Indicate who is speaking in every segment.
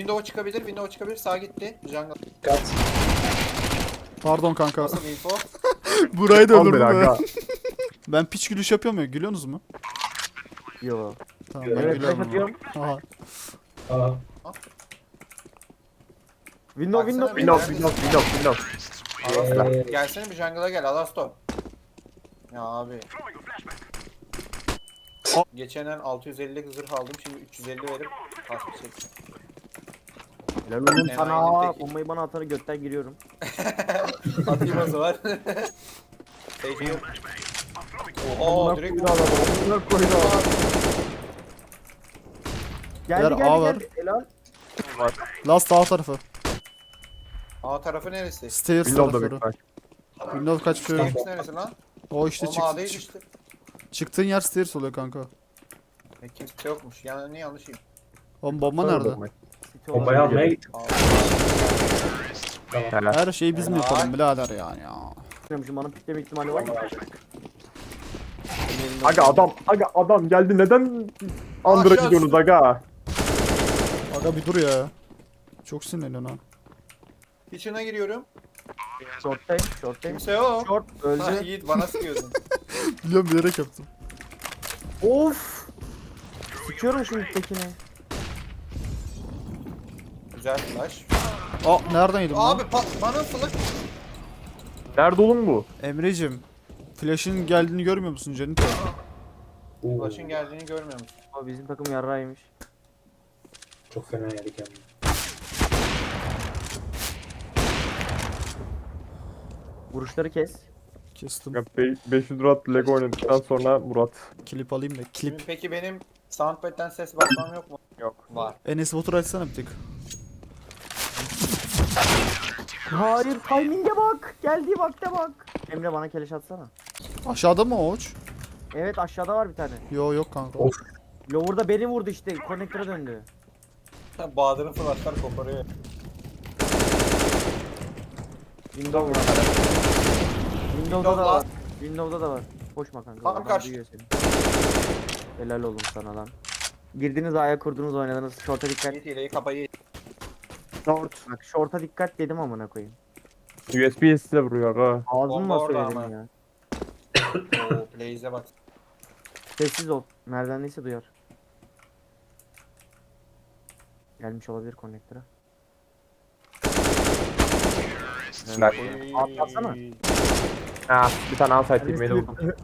Speaker 1: Window çıkabilir. Window çıkabilir. Sağa gitti. Jungle.
Speaker 2: Kat.
Speaker 3: Pardon kanka.
Speaker 1: Nasıl info?
Speaker 3: Burayı da
Speaker 4: Al beni
Speaker 3: öldürdüm
Speaker 4: aga.
Speaker 3: ya. Ben piç gülüş yapıyorum ya. Gülüyorsunuz mu?
Speaker 5: Yo.
Speaker 3: Tamam ben
Speaker 5: Evet flash
Speaker 3: gülüyorum.
Speaker 5: atıyorum.
Speaker 3: Aha.
Speaker 2: Aa.
Speaker 5: Window
Speaker 1: Baksana
Speaker 5: window
Speaker 1: bir.
Speaker 5: window.
Speaker 1: Alastor. Gelsene bir jungle'a gel Alastor. Ya abi. Geçen el 650 zırh aldım. Şimdi 350 verip pas bir çektim.
Speaker 5: Helal oğlum
Speaker 1: Enayi
Speaker 5: sana.
Speaker 1: teki.
Speaker 5: Bombayı bana atanı götten giriyorum.
Speaker 1: Atayım o zaman. Sage yok. Oha direkt
Speaker 5: koydu adam. Amına koydu adam. Geldi
Speaker 3: Ver,
Speaker 5: geldi
Speaker 3: A var.
Speaker 5: geldi. Helal.
Speaker 3: Last sağ tarafı.
Speaker 1: A tarafı neresi?
Speaker 3: Stairs
Speaker 4: Windows'da
Speaker 3: tarafları.
Speaker 4: büyük ihtimal.
Speaker 3: Windows kaçmış yok.
Speaker 1: Stairs neresi lan?
Speaker 3: O işte
Speaker 1: Oğlum A değil işte.
Speaker 3: çıktığın yer stairs oluyor kanka.
Speaker 1: Kimse yokmuş. Yani yanlışıyım.
Speaker 3: Oğlum bomba nerede?
Speaker 5: City
Speaker 2: Bombayı
Speaker 5: olabilir.
Speaker 2: almaya gittim.
Speaker 4: Helal.
Speaker 3: Her şeyi biz mi
Speaker 1: Helal.
Speaker 3: yapalım birader yani ya.
Speaker 5: Bilmiyorum, bana pikleme ihtimali var mı?
Speaker 4: Aga adam geldi neden Under'a
Speaker 1: Aşağı
Speaker 4: gidiyorsunuz
Speaker 1: su.
Speaker 4: aga?
Speaker 3: Aga bir dur ya. Çok sinirleniyorsun ha.
Speaker 1: Kitchen'a giriyorum.
Speaker 5: Short'tayım short'tayım.
Speaker 1: Kimse yok.
Speaker 5: Short
Speaker 1: Ha,
Speaker 5: öldü.
Speaker 1: Yiğit bana sıkıyordun.
Speaker 3: Biliyorum bilerek yaptım.
Speaker 5: Of. Sıkıyorum şimdi tekini.
Speaker 1: Güzel flash.
Speaker 3: Aa nereden yedim lan?
Speaker 1: Abi bana flash.
Speaker 4: Nerede oğlum bu?
Speaker 3: Emre'cim. Flash'ın geldiğini görmüyor musun Cenito?
Speaker 2: Oo,
Speaker 1: Flash'ın geldiğini görmüyor musun?
Speaker 5: Abi bizim takım yarrağıymış.
Speaker 2: çok fena yedik yani.
Speaker 5: Vuruşları kes.
Speaker 3: Kestim.
Speaker 4: Ya 500 Murat Lego oynadıktan sonra Murat.
Speaker 3: Klip alayım da. Klip.
Speaker 1: Şimdi peki benim soundpad'den ses basmam yok mu?
Speaker 4: Yok.
Speaker 1: Var.
Speaker 3: Enes Batur açsana bir tık.
Speaker 5: Hayır timing'e bak. Geldiği vakte bak. Emre bana keleş atsana.
Speaker 3: Aşağıda mı o uç?
Speaker 5: Evet aşağıda var bir tane.
Speaker 3: Yo yok kanka.
Speaker 2: Of.
Speaker 5: Lower'da beni vurdu işte. Connector'a döndü.
Speaker 1: Bahadır'ın flashlar koparıyor.
Speaker 5: Windows var. Windows'da da var. Windows'da da var. Koşma kanka.
Speaker 1: Tam
Speaker 5: adam
Speaker 1: karşı.
Speaker 5: duyuyor seni. Helal olun sana lan. Girdiniz A'ya kurdunuz oynadınız. Short'a dikkat.
Speaker 1: Yiğit hileyi kapayı.
Speaker 4: Short.
Speaker 5: Bak short'a dikkat dedim amına koyayım.
Speaker 4: USB size vuruyor aga.
Speaker 5: Ağzımla
Speaker 1: orada
Speaker 5: söyledim
Speaker 1: ama.
Speaker 5: ya.
Speaker 1: Oo Blaze'e bak.
Speaker 5: Sessiz ol. Merdivendeyse duyar. Gelmiş olabilir connector'a.
Speaker 4: Bak.
Speaker 5: Atlasana.
Speaker 4: Ha bir tane outside beni vurdu.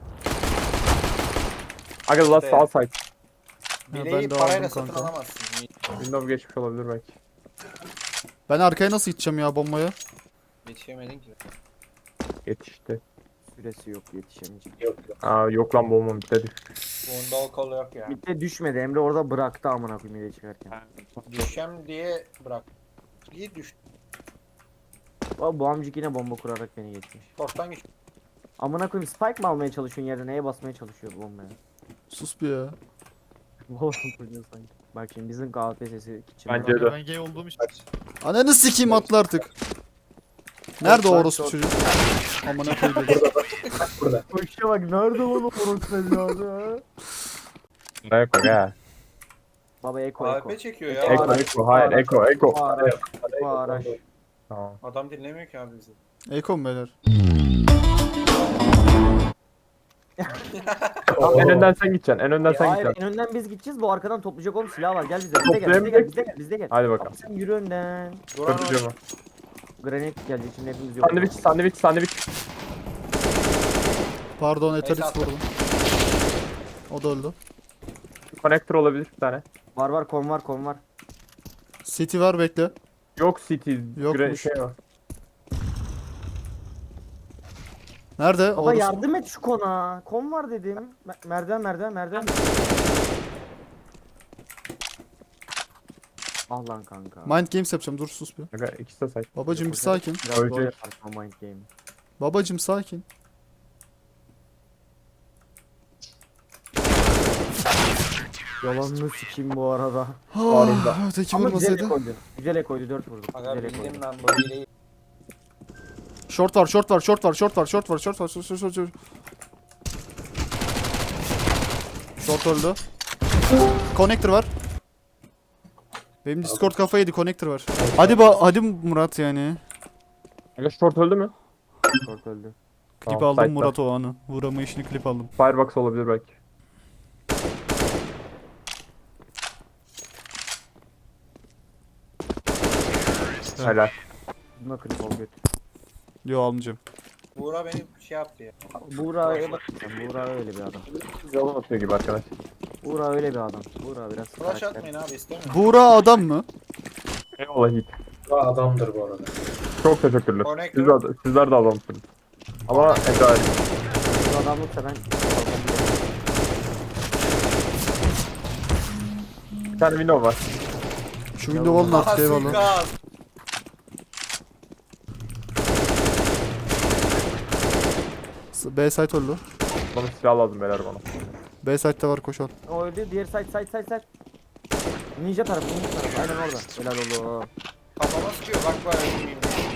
Speaker 4: Aga last
Speaker 1: İşte.
Speaker 4: outside.
Speaker 3: ben
Speaker 1: Bileği
Speaker 3: de
Speaker 1: parayla
Speaker 3: aldım
Speaker 1: satın
Speaker 3: kanka.
Speaker 1: alamazsın. Yiğit.
Speaker 4: Windows geçmiş olabilir belki.
Speaker 3: Ben arkaya nasıl gideceğim ya bombaya?
Speaker 1: Yetişemedin ki.
Speaker 4: Yetişti.
Speaker 5: Süresi yok yetişemeyecek.
Speaker 2: Yok yok.
Speaker 4: Aa yok lan bombam bitedi.
Speaker 1: Bunda o kol yok ya.
Speaker 5: Mitte düşmedi. Emre orada bıraktı amına koyayım ile çıkarken.
Speaker 1: Düşem diye bırak. İyi düştü.
Speaker 5: Bu amcık yine bomba kurarak beni geçmiş.
Speaker 1: Short'tan geç.
Speaker 5: Amına koyayım spike mi almaya çalışıyorsun yerde neye basmaya çalışıyor bu bombaya?
Speaker 3: Sus bir ya.
Speaker 5: Bomba kuruyor sanki. Bak şimdi bizim kahve sesi kitchen.
Speaker 4: Bence de.
Speaker 6: Ben gay olduğum için.
Speaker 3: Ananı sikeyim atla artık. Nerede o
Speaker 5: Short,
Speaker 3: orospu
Speaker 5: short.
Speaker 3: çocuk? Amına koydum.
Speaker 2: Burada.
Speaker 5: Koşuya bak nerede onu orospu evladı?
Speaker 4: Ne yok aga.
Speaker 5: Baba eko eko.
Speaker 1: AWP çekiyor ya.
Speaker 4: Eko eko hayır eko eko.
Speaker 5: Bu araç. Bu araç.
Speaker 4: Tamam.
Speaker 1: Adam dinlemiyor ki abi bizi.
Speaker 3: Eko mu beyler?
Speaker 4: Tamam, en önden sen gideceksin. En önden sen
Speaker 5: Hayır
Speaker 4: gideceksin.
Speaker 5: en önden biz gideceğiz bu arkadan toplayacak oğlum silah var gel bize bize gel bize gel bize gel bize gel.
Speaker 4: Hadi bakalım.
Speaker 5: Sen yürü önden.
Speaker 1: Duran
Speaker 4: Kötü mu?
Speaker 5: Granit gelecek şimdi hepimiz yok.
Speaker 4: Sandviç.
Speaker 3: Pardon
Speaker 1: Neyse,
Speaker 3: Eteris
Speaker 1: atla.
Speaker 3: vurdum. O da öldü.
Speaker 4: Connector olabilir bir tane.
Speaker 5: Var kon var.
Speaker 3: City var bekle.
Speaker 4: Yok city.
Speaker 3: Yokmuş.
Speaker 4: Şey var.
Speaker 3: Nerede?
Speaker 5: Baba
Speaker 3: Orospu.
Speaker 5: yardım et şu kona. Kon var dedim. Merdiven. Ah lan kanka.
Speaker 3: Mind Games yapacağım dur sus bir.
Speaker 4: Aga ikisi de say.
Speaker 3: Babacım bir sakin.
Speaker 5: Biraz zor
Speaker 4: Ölecek.
Speaker 5: yaparsın o mind game.
Speaker 3: Babacım sakin.
Speaker 5: Yalanını sikeyim bu arada.
Speaker 4: Ağrında.
Speaker 3: Öteki
Speaker 5: Ama güzel
Speaker 3: vurmasaydı.
Speaker 5: koydu. Güzel koydu 4 vurdu.
Speaker 1: Aga
Speaker 5: Güzel
Speaker 1: bildim
Speaker 5: koydu.
Speaker 1: lan bu hileyi.
Speaker 3: Short var. Short öldü. Connector var. Benim Discord kafayı yedi, connector var. Hadi Murat yani.
Speaker 4: Aga short öldü mü?
Speaker 5: Short öldü.
Speaker 3: Klip
Speaker 4: Tamam,
Speaker 3: aldım
Speaker 4: site'da.
Speaker 3: Murat o anı. Vuramayışını klip aldım.
Speaker 4: Firebox olabilir belki. Helal.
Speaker 5: Buna klip ol götür.
Speaker 3: Yo, almayacağım.
Speaker 1: Buğra beni şey yaptı ya.
Speaker 5: Buğra'ya bak sen. Buğra öyle bir adam.
Speaker 4: Yalan atıyor gibi arkadaş.
Speaker 5: Buğra öyle bir adam. Buğra biraz
Speaker 1: Flash
Speaker 5: karakter.
Speaker 1: atmayın abi istemiyorum.
Speaker 3: Buğra adam mı?
Speaker 4: Eyvallah Yiğit.
Speaker 2: Bu adamdır bu arada.
Speaker 4: Çok teşekkürler.
Speaker 1: Connector.
Speaker 4: Sizler de adamsınız. Ama Eda
Speaker 5: Bu adamlıksa ben
Speaker 4: bir tane window var.
Speaker 3: Şu window alın
Speaker 1: Aha
Speaker 3: artık, eyvallah.
Speaker 1: suikast.
Speaker 3: B site oldu.
Speaker 4: Bana silah lazım beyler bana.
Speaker 3: B site'de var, koş al.
Speaker 5: o öldü. Diğer side. Ninja tarafı. Aynen orada. Helal oldu.
Speaker 1: Kafama sıkıyor bak bak öldürmeyeyim.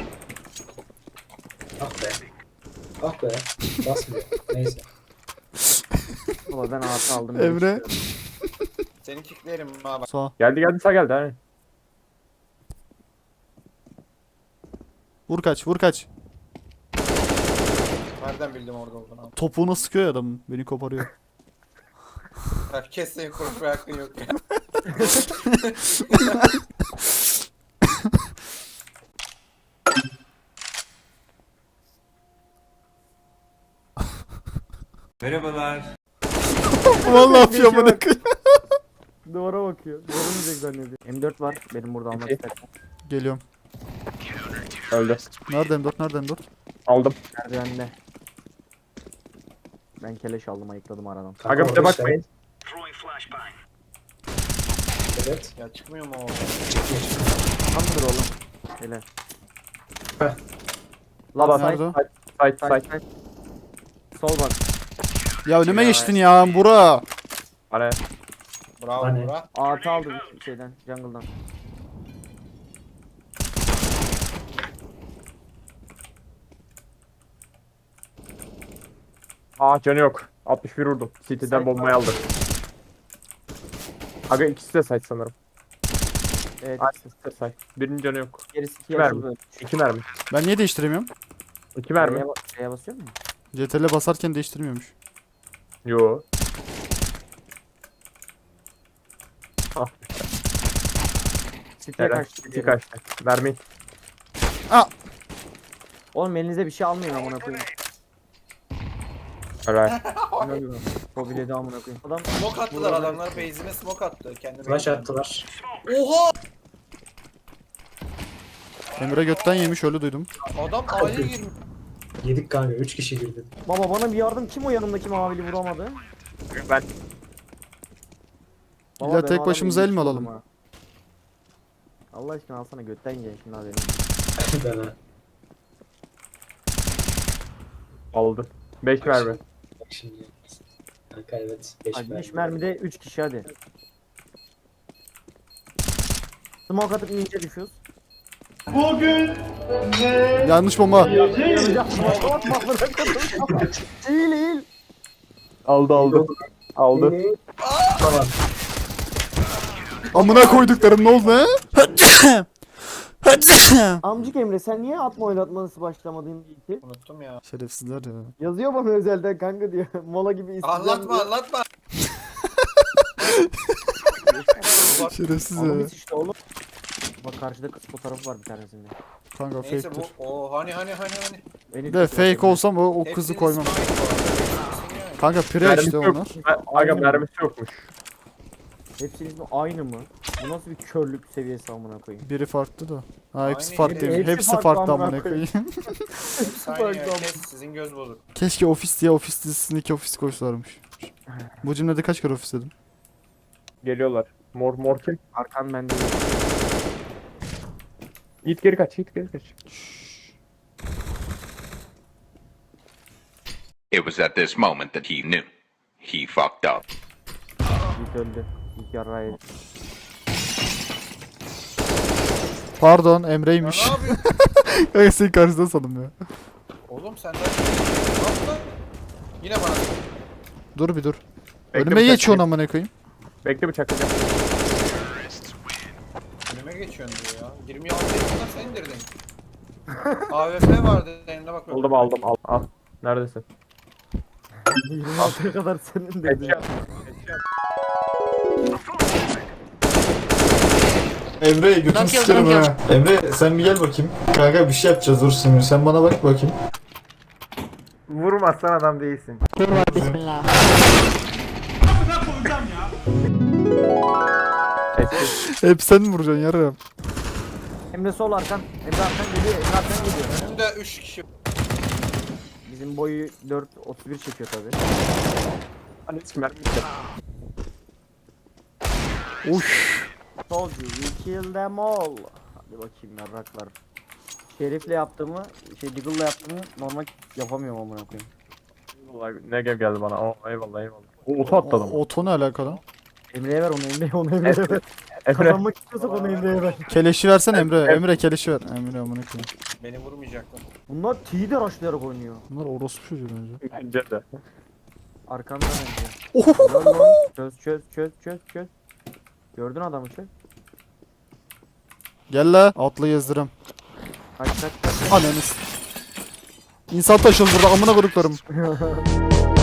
Speaker 2: Ah be. Ah be. Basmıyor. Neyse.
Speaker 5: Baba ben artı aldım.
Speaker 3: Emre.
Speaker 1: Seni kicklerim ha bak.
Speaker 3: Sağ.
Speaker 4: Geldi sağ geldi hani.
Speaker 3: Vur kaç.
Speaker 1: Nereden bildim orada olduğunu abi.
Speaker 3: Topuğuna sıkıyor ya adamın. Beni koparıyor.
Speaker 1: Bak kes senin konuşmaya hakkın yok ya.
Speaker 3: Vallahi yapıyor bana.
Speaker 5: Duvara bakıyor. Duvara mı zannediyor. M4 var. Benim burada almak istersen.
Speaker 3: Geliyorum.
Speaker 4: Öldü.
Speaker 3: Nerede M4?
Speaker 4: Aldım.
Speaker 5: Merdivende. Ben keleş aldım, ayıkladım aradan.
Speaker 2: Kanka
Speaker 4: Aga bir de
Speaker 2: orada
Speaker 4: bakmayın.
Speaker 2: Evet.
Speaker 1: Ya çıkmıyor mu o?
Speaker 5: Tamdır oğlum. Hele.
Speaker 2: Heh.
Speaker 5: Lan
Speaker 3: Nerede o?
Speaker 4: Side.
Speaker 5: Sol bak.
Speaker 3: Ya önüme geçtin ya Bura.
Speaker 4: Hani
Speaker 1: Bravo
Speaker 2: Hani?
Speaker 1: Buğra.
Speaker 5: Artı aldı bir şeyden. Jungle'dan.
Speaker 4: canı yok. 61 vurdum. City'den
Speaker 5: Side
Speaker 4: bombayı aldı. Aga ikisi de side sanırım.
Speaker 5: Evet.
Speaker 4: Ikisi de side. Birinin canı yok.
Speaker 5: Gerisi
Speaker 4: İki mermi.
Speaker 5: açıldı.
Speaker 4: 2 mermi.
Speaker 3: Ben niye değiştiremiyorum?
Speaker 4: 2 mermi.
Speaker 5: Şeye basıyor mu?
Speaker 3: CTRL basarken değiştirmiyormuş.
Speaker 4: Yo.
Speaker 5: Siteye
Speaker 4: Helal.
Speaker 5: kaçtı.
Speaker 4: 2 kaçtı. Mermi.
Speaker 5: Oğlum elinize bir şey almayın amına koyayım.
Speaker 4: Helal.
Speaker 5: İnanıyorum. Mobilyada amına koyayım. Adam
Speaker 1: Smoke attılar adamlar base'ine smoke attı. Kendi
Speaker 2: Flash
Speaker 1: base'ine.
Speaker 2: attılar.
Speaker 1: Oha!
Speaker 3: Emre götten yemiş, öyle duydum.
Speaker 1: Adam A'ya girmiş.
Speaker 2: Yedik kanka. 3 kişi girdi.
Speaker 5: baba bana bir yardım, kim o yanımdaki mavili vuramadı?
Speaker 4: Ben
Speaker 5: Baba,
Speaker 3: İlla
Speaker 5: ben
Speaker 3: tek
Speaker 5: o
Speaker 3: başımıza
Speaker 5: adamı
Speaker 3: el mi
Speaker 5: vurdum
Speaker 3: alalım?
Speaker 5: ha. Allah aşkına alsana götten gel şimdi abi.
Speaker 2: Ben ha.
Speaker 4: aldım. 5 mermi.
Speaker 2: Bak şimdi. Kanka evet. 5
Speaker 5: Hadi 5
Speaker 2: mermi.
Speaker 5: mermide 3 kişi hadi. Smoke atıp ninja düşüyoruz.
Speaker 3: Yanlış bomba.
Speaker 5: Yanacak smoke atma amına koyayım. Eğil.
Speaker 4: Aldı. Aldı.
Speaker 2: Tamam.
Speaker 3: Amına koyduklarım, ne oldu he?
Speaker 5: Amcık Emre sen niye atma oynatması başlamadın ilk?
Speaker 1: Unuttum ya.
Speaker 3: Şerefsizler ya.
Speaker 5: Yazıyor bana özelden kanka diyor. Mola gibi isteyeceğim.
Speaker 1: Anlatma.
Speaker 3: Şerefsiz ya.
Speaker 5: Anlamış işte oğlum. Bak karşıda kız fotoğrafı var bir tanesinde.
Speaker 3: Kanka
Speaker 1: Neyse
Speaker 3: fake'tir.
Speaker 1: bu o hani.
Speaker 5: Beni
Speaker 3: De
Speaker 5: tutuyor.
Speaker 3: fake olsam o kızı
Speaker 1: Hepsinin
Speaker 3: koymam.
Speaker 1: ismi aynı bu arada. Hepsinin yani.
Speaker 3: Kanka pre
Speaker 4: Mermisi
Speaker 3: işte
Speaker 4: yok.
Speaker 3: onlar.
Speaker 4: Aga mermisi yokmuş.
Speaker 5: Hepsinin ismi aynı mı? Bu nasıl bir körlük seviyesi amına koyayım?
Speaker 3: Biri farklı da. Ha hepsi
Speaker 1: Aynı
Speaker 3: farklı.
Speaker 1: yeri.
Speaker 5: Hepsi
Speaker 3: Hepsi
Speaker 5: farklı
Speaker 3: farklı
Speaker 5: amına
Speaker 3: amına koyayım.
Speaker 1: Hepsi aynı ya. Kes sizin göz bozuk.
Speaker 3: Keşke ofis diye ofis dizisindeki ofis koysalarmış. Bu cümlede kaç kere ofis dedim?
Speaker 4: Geliyorlar. Mor kim?
Speaker 5: Arkan bende.
Speaker 4: Git geri kaç.
Speaker 6: It was at this moment that he knew. He fucked up.
Speaker 5: İlk öldü. İlk yarrayı.
Speaker 3: Pardon,
Speaker 1: Ya
Speaker 3: Emre'ymiş.
Speaker 1: ne yapıyorsun?
Speaker 3: Kanka senin karşısında sandım ya.
Speaker 1: Oğlum sen de... Ne yaptın lan? Yine bana.
Speaker 3: Dur bir dur.
Speaker 4: Bekle
Speaker 3: Önüme
Speaker 4: bıçak
Speaker 3: geçiyorsun
Speaker 4: atayım.
Speaker 3: amına koyayım.
Speaker 4: Bekle bıçaklayacağım.
Speaker 1: geçiyorsun diyor ya. 26 yaşında sen indirdin. AWP vardı elinde bak.
Speaker 4: Aldım al. Neredesin?
Speaker 5: 26'ya kadar senin dedin.
Speaker 7: Emre götünü sikerim ha. Emre sen bir gel bakayım. Kanka bir şey yapacağız dur şimdi. Sen bana bak bakayım.
Speaker 4: Vurmazsan adam değilsin.
Speaker 8: Bismillah.
Speaker 3: Hep sen mi vuracaksın yarım?
Speaker 5: Emre sol arkan. Emre arkan geliyor. Emre arkan geliyor.
Speaker 1: Önümde 3 kişi.
Speaker 5: Bizim boyu 4.31 çekiyor tabi.
Speaker 4: Hani hiç mermi yok.
Speaker 3: Uş.
Speaker 5: Soldier, we kill them all. Hadi bakayım yarraklar. Şerif'le yaptığımı, Deagle'la yaptığımı normal yapamıyorum amına koyayım.
Speaker 4: Vallahi Negev geldi bana. Oh, eyvallah. Oto atladım.
Speaker 3: Oto ne alakalı?
Speaker 5: Emre'ye ver onu Emre'ye ver.
Speaker 4: Emre.
Speaker 5: Kazanmak istiyorsak onu Emre'ye ver.
Speaker 3: Keleşi versen Emre. Emre keleşi ver. Emre amına koyayım.
Speaker 1: Beni vurmayacaklar.
Speaker 5: Bunlar T'de rushlayarak oynuyor.
Speaker 3: Bunlar orospu çocuğu bence.
Speaker 4: Bence de.
Speaker 5: Arkamdan önce.
Speaker 3: Ohohoho.
Speaker 5: Çöz. Gördün adamı çöz.
Speaker 3: Gel la. Atla gezdirem.
Speaker 5: Kaç.
Speaker 3: Ananız. İnsan taşıl burada amına koduklarım.